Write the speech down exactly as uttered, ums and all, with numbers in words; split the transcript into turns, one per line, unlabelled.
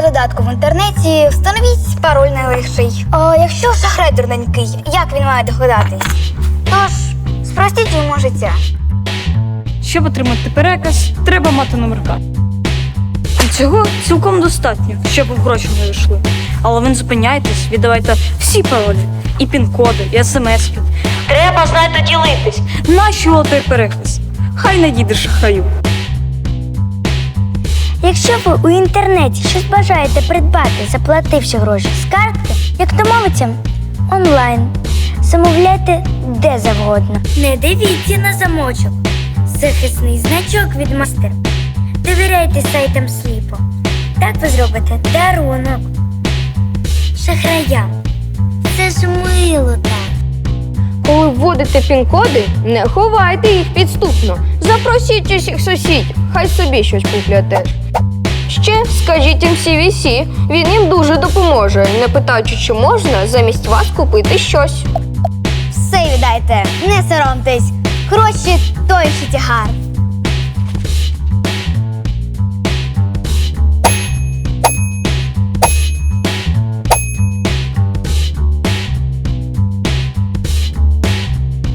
додатку в інтернеті, встановіть пароль найлегший. А якщо шахрай дурненький, як він має догадатись? Тож, спростіть йому життя.
Щоб отримати переказ, треба мати номерка. І цього цілком достатньо, щоб гроші не йшли. Але ви не зупиняйтесь, віддавайте всі паролі, і пін-коди, і смс-ки. Треба, знаєте, ділитись. Нащо той переказ? Хай не дійде шахраю.
Якщо ви у інтернеті щось бажаєте придбати, заплативши гроші з картки, як домовиться, онлайн. Замовляйте де завгодно. Не дивіться на замочок. Захисний значок від мастер. Довіряйте сайтам сліпо. Так ви зробите дарунок шахраям. Це ж мило так.
Коли вводите пін-коди, не ховайте їх підступно. Запросіть усіх сусідів, хай собі щось куплять теж. Ще скажіть їм сі ві сі, він їм дуже допоможе, не питаючи, чи можна замість вас купити щось.
Все віддайте, не соромтесь. Гроші той ще тягар.